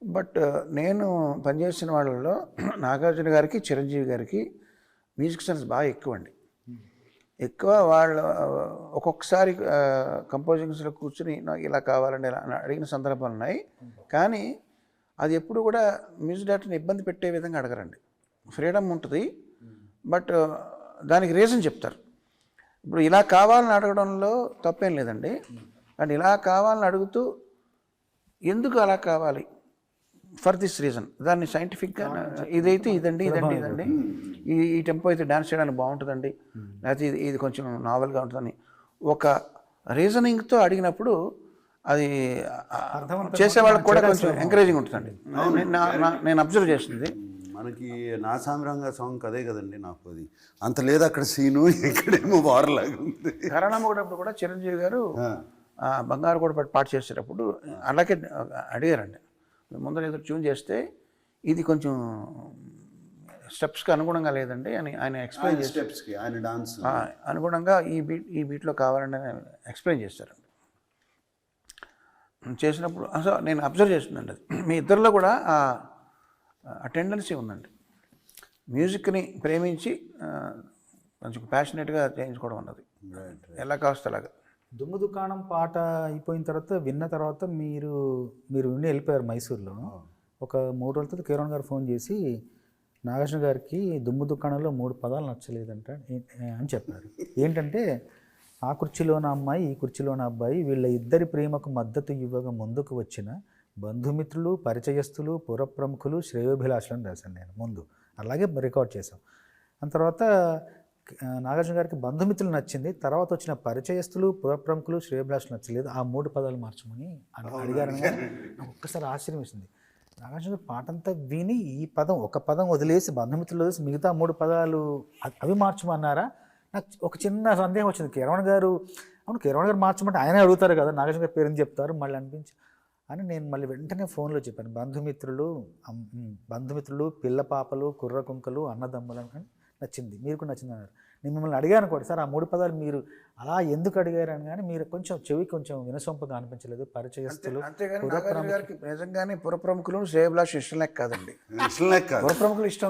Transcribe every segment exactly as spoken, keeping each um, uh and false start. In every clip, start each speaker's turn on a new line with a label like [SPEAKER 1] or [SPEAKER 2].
[SPEAKER 1] But నేను పనిచేసిన వాళ్ళలో నాగార్జున గారికి చిరంజీవి గారికి మ్యూజిక్ సెన్స్ బాగా ఎక్కువ అండి. ఎక్కువ వాళ్ళు ఒక్కొక్కసారి కంపోజింగ్స్లో కూర్చుని నాకు ఇలా కావాలండి ఇలా అడిగిన సందర్భాలు ఉన్నాయి. కానీ అది ఎప్పుడు కూడా మ్యూజిక్ డైరెక్టర్ని ఇబ్బంది పెట్టే విధంగా అడగరండి. ఫ్రీడమ్ ఉంటుంది, బట్ దానికి రీజన్ చెప్తారు. ఇప్పుడు ఇలా కావాలని అడగడంలో తప్పేం లేదండి, కానీ ఇలా కావాలని అడుగుతూ ఎందుకు అలా కావాలి ఫర్ దిస్ రీజన్, దాన్ని సైంటిఫిక్గా ఇదైతే ఇదండి ఇదండి ఇదండి ఈ ఈ టెంపో అయితే డ్యాన్స్ చేయడానికి బాగుంటుందండి, లేకపోతే ఇది ఇది కొంచెం నావెల్గా ఉంటుందని ఒక రీజనింగ్తో అడిగినప్పుడు అది చేసే వాళ్ళకి కూడా కొంచెం ఎంకరేజింగ్ ఉంటుందండి. నేను అబ్జర్వ్ చేస్తుంది.
[SPEAKER 2] మనకి నా సామిరంగా సాంగ్ అదే కదండి, నాకు అది అంత లేదు అక్కడ సీను, ఇక్కడేమో వారలాగా ఉంది.
[SPEAKER 1] కరణమ్మగూడప్పుడు కూడా చిరంజీవి గారు బంగారు కూడా పాట చేసేటప్పుడు అలాగే అడిగారండి, ముందర ఏదో ట్యూన్ చేస్తే ఇది కొంచెం స్టెప్స్కి అనుగుణంగా లేదండి అని ఆయన ఎక్స్ప్లెయిన్ చేసి
[SPEAKER 2] స్టెప్స్కి ఆయన డాన్స్
[SPEAKER 1] అనుగుణంగా ఈ బీట్ ఈ బీట్లో కావాలని ఎక్స్ప్లెయిన్ చేస్తారండి. చేసినప్పుడు అసలు నేను అబ్జర్వ్ చేస్తుందండి, అది మీ ఇద్దరిలో కూడా ఆ టెండెన్సీ ఉందండి. మ్యూజిక్ని ప్రేమించి కొంచెం ప్యాషనేట్గా చేయించుకోవడం అన్నది ఎలా కావస్తే అలాగా.
[SPEAKER 3] దుమ్ము దుకాణం పాట అయిపోయిన తర్వాత విన్న తర్వాత మీరు మీరు విని వెళ్ళిపోయారు మైసూర్లో. ఒక మూడు రోజుల తర్వాత కిరణ్ గారు ఫోన్ చేసి నాగార్జున గారికి దుమ్ము దుకాణంలో మూడు పదాలు నచ్చలేదంట అని చెప్పారు. ఏంటంటే ఆ కుర్చీలోన అమ్మాయి ఈ కుర్చీలోన అబ్బాయి వీళ్ళ ఇద్దరి ప్రేమకు మద్దతు ఇవ్వగా ముందుకు వచ్చిన బంధుమిత్రులు పరిచయస్తులు పురప్రముఖులు శ్రేయోభిలాషులను రాశాను నేను ముందు, అలాగే రికార్డ్ చేశాం. ఆ తర్వాత నాగార్జున గారికి బంధుమిత్రులు నచ్చింది, తర్వాత వచ్చిన పరిచయస్తులు పురప్రముఖులు శ్రేయోభిలాషులు నచ్చలేదు, ఆ మూడు పదాలు మార్చమని అడిగారని నాకు ఒక్కసారి ఆశ్చర్యం వేసింది. నాగార్జున గారు పాట అంతా విని ఈ పదం ఒక పదం వదిలేసి బంధుమిత్రులు వదిలేసి మిగతా మూడు పదాలు అవి మార్చమన్నారా? నాకు ఒక చిన్న సందేహం వచ్చింది. కిరణ్ గారు అవును కిరణ్ గారు మార్చమంటే ఆయనే అడుగుతారు కదా, నాగార్జున గారి పేరుని చెప్తారు మళ్ళీ అనిపించి అని నేను మళ్ళీ వెంటనే ఫోన్లో చెప్పాను, బంధుమిత్రులు బంధుమిత్రులు పిల్ల పాపలు కుర్ర కుంకలు అన్నదమ్ములు అని నచ్చింది, మీరు కూడా నచ్చింది అన్నారు. నేను మిమ్మల్ని అడిగాను కూడా, సార్ ఆ మూడు పదాలు మీరు అలా ఎందుకు అడిగారు అని, కానీ మీరు కొంచెం చెవి కొంచెం వినసొంపుగా అనిపించలేదు. పరిచయస్తులు
[SPEAKER 1] గారికి నిజంగానే పురప్రముఖులు శ్రేయోభిలాష ఇష్టం లేక కాదండి,
[SPEAKER 2] ఇష్టం లేక
[SPEAKER 1] పురప్రముఖులు ఇష్టం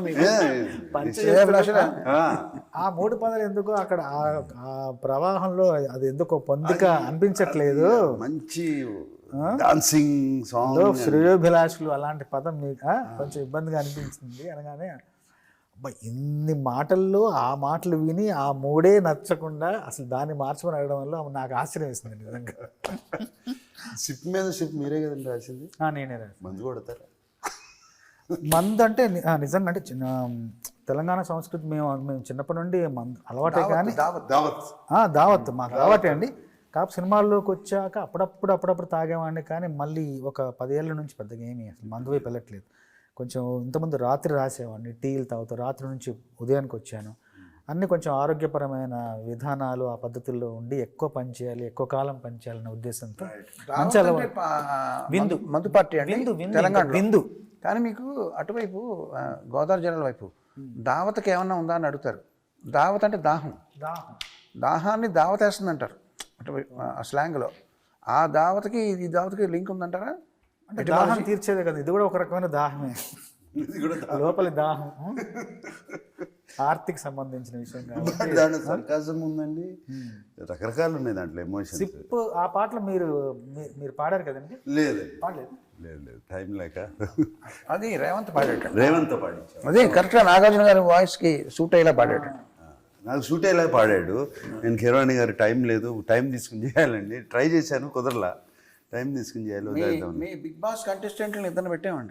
[SPEAKER 3] ఆ మూడు పదాలు ఎందుకో అక్కడ ఆ ప్రవాహంలో అది ఎందుకో పొందిక అనిపించట్లేదు.
[SPEAKER 2] మంచి డాన్సింగ్ సాంగ్
[SPEAKER 3] శ్రేయోభిలాషులు అలాంటి పదం మీకు కొంచెం ఇబ్బందిగా అనిపించింది అనగానే అబ్బా ఇన్ని మాటల్లో ఆ మాటలు విని ఆ మూడే నచ్చకుండా అసలు దాన్ని మార్చమని అడగడం వల్ల నాకు ఆశ్చర్యం వేస్తుంది నిజంగా.
[SPEAKER 2] షిప్ మీద షిప్ మీరే కదండి రాసింది?
[SPEAKER 3] నేనే రాసి.
[SPEAKER 2] మందు కొడతారా?
[SPEAKER 3] మందు అంటే నిజంగా అంటే చిన్న తెలంగాణ సంస్కృతి మేము మేము చిన్నప్పటి నుండి మందు అలవాటే, కానీ దావత్ మాకు అలవాటే అండి. కాపు సినిమాల్లోకి వచ్చాక అప్పుడప్పుడు అప్పుడప్పుడు తాగేవాడిని, కానీ మళ్ళీ ఒక పదేళ్ళ నుంచి పెద్దగా ఏమీ అసలు మందు వైపు వెళ్ళట్లేదు. కొంచెం ఇంతకుముందు రాత్రి రాసేవాడిని, టీలు తాగుతూ రాత్రి నుంచి ఉదయానికి వచ్చాను. అన్నీ కొంచెం ఆరోగ్యపరమైన విధానాలు ఆ పద్ధతుల్లో ఉండి ఎక్కువ పని చేయాలి, ఎక్కువ కాలం పని చేయాలనే ఉద్దేశంతో మంచి
[SPEAKER 1] విందు మందు పార్టీ అండి తెలంగాణ విందు. కానీ మీకు అటువైపు గోదావరి జిల్లాల వైపు దావతకి ఏమన్నా ఉందా అని అడుగుతారు. దావత్ అంటే దాహం,
[SPEAKER 3] దాహం
[SPEAKER 1] దాహాన్ని దావత్ వేస్తుంది అంటారు అటువైపు ఆ స్లాంగ్లో. ఆ దావతకి ఈ దావతకి లింక్ ఉందంటారా?
[SPEAKER 3] అంటే దాహం తీర్చేదే కదా, ఇది కూడా ఒక రకమైన దాహమే, లోపలి దాహం ఆర్తికి సంబంధించిన విషయం కాబట్టి
[SPEAKER 2] దాంట్లో సర్కాజం ఉందండి, రకరకాలు ఉన్నాయి దాంట్లో ఎమోషన్స్.
[SPEAKER 3] సిప్ ఆ పాటలు మీరు మీరు పాడారు కదండి?
[SPEAKER 2] లేదు
[SPEAKER 3] పాడలేదు,
[SPEAKER 2] లేదు లేదు టైం లేక.
[SPEAKER 1] అది రేవంత్ పాడాడు,
[SPEAKER 2] రేవంత్ పాడించాడు.
[SPEAKER 1] అదే కరెక్ట్గా నాగార్జున గారి వాయిస్కి సూట్ అయ్యేలా పాడాడు,
[SPEAKER 2] నాకు సూట్ అయ్యేలా పాడాడు. నేను కిరణ్ గారు టైం లేదు టైం తీసుకుని చేయాలండి, ట్రై చేశాను కుదరలా, టైం తీసుకుని చేయాలి.
[SPEAKER 1] మీ బిగ్ బాస్ కంటెస్టెంట్లను ఇద్దరు పెట్టామండి,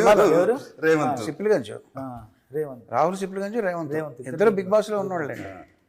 [SPEAKER 2] రేవంత్
[SPEAKER 1] సిప్లిగంజ్
[SPEAKER 3] రేవంత్
[SPEAKER 1] రాహుల్ సిప్లిగంజ్ రేవంత్ ఇద్దరు బిగ్ బాస్లో ఉన్నవాళ్ళండి.